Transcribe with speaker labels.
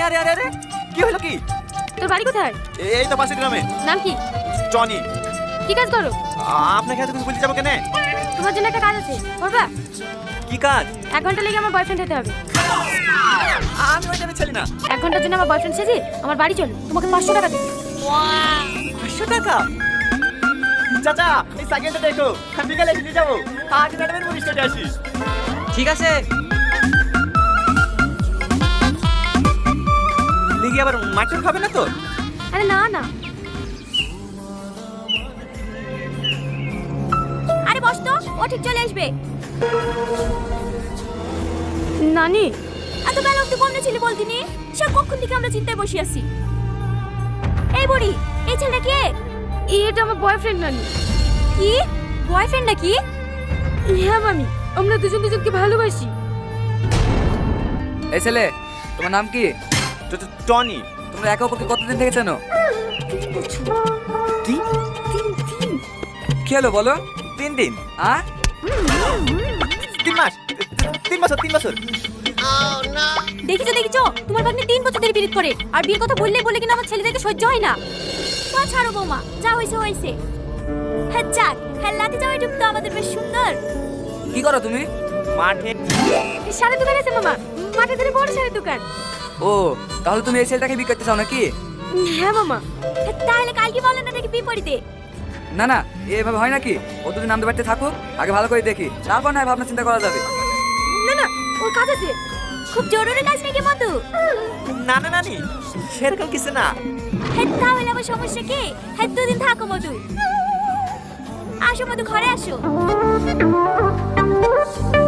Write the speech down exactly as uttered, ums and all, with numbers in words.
Speaker 1: আরে আরে আরে কি হলো কি?
Speaker 2: তোর বাড়ি কোথায়?
Speaker 1: এই তো পাশের গ্রামে।
Speaker 2: নাম কি?
Speaker 1: টনি।
Speaker 2: কি কাজ করো?
Speaker 1: আপনাকে এত কিছু বলতে যাবো কেন?
Speaker 2: তোমার জন্য একটা কাজ আছে, করবা?
Speaker 1: কি কাজ?
Speaker 2: এক ঘন্টা লেগে আমার বয়ফ্রেন্ড হতে হবে।
Speaker 1: আমি ওই টাইপের ছেলে না।
Speaker 2: এক ঘন্টার জন্য আমার বয়ফ্রেন্ড সেজে আমার বাড়ি চলো, তোমাকে পাঁচশো টাকা দেবো।
Speaker 1: পাঁচশো টাকা? চাচা এই সাইকেলটা দেখো, বিকালে নিয়ে যাবো। আজ ম্যাডামের মুড়ি স্টেটে আসি।
Speaker 3: ঠিক আছে।
Speaker 1: লিগি আবার মাটন খাবে না তো?
Speaker 2: আরে না না, আরে বস তো, ও ঠিক চলে আসবে। নানি এত বেলা অব্দি কমনে ছিলি বলতিনি? সে কখন থেকে আমরা চিন্তায় বসে আছি। এই বুড়ি, এই ছেলেটা কে? এটা আমার বয়ফ্রেন্ড নানি। কি বয়ফ্রেন্ড নাকি? হ্যাঁ মামি, আমরা দুজন দুজনকে ভালোবাসি।
Speaker 3: এই ছেলে, তোমার নাম কি?
Speaker 1: টনি।
Speaker 3: তোমরা একে অপরকে কতদিন থেকে চেনো?
Speaker 1: তিন
Speaker 3: কি হলো বলো?
Speaker 1: তিন দিন।
Speaker 3: আ
Speaker 1: তিন মাস। তিন বছর তিন বছর।
Speaker 2: দেখিছো দেখিছো, তোমার ভাগ্নে তিন বছর ধরে বিরোধ করে, আর বিয়ের কথা বললেই বলে কিনা আমার ছেলেদেরকে সহ্য হয় না। তো ছাড়ো বৌমা, যা হইছে হইছে। হ্যাঁ যাক, হ্যাঁ লাতে যাওয়াই তো আমাদের বেশ সুন্দর।
Speaker 3: কি করো তুমি?
Speaker 1: মাঠে
Speaker 2: শাড়ির দোকান আছে মামা, মাঠে ধরে বড় শাড়ির দোকান।
Speaker 3: ও, তাহলে তুমি এই ছেলেটাকে বিয়ে করতে চাও নাকি?
Speaker 2: হ্যাঁ মামা। তাহলে কালকে বলেন না দেখি বিপরীতে।
Speaker 3: না না, এভাবে হয় নাকি? ও দুদিন আমাদের বাড়িতে থাকুক, আগে ভালো করে দেখি, তারপর না ভাবনা চিন্তা করা যাবে।
Speaker 2: না না, ওর কাজ আছে, খুব জরুরি কাজ নাকি মধু?
Speaker 1: না না নানি, সেরকম কিছু না।
Speaker 2: হ্যাঁ তাহলে আমার সমস্যা কি? হ্যাঁ দুদিন থাকো মধু। আসো মধু, ঘরে আসো।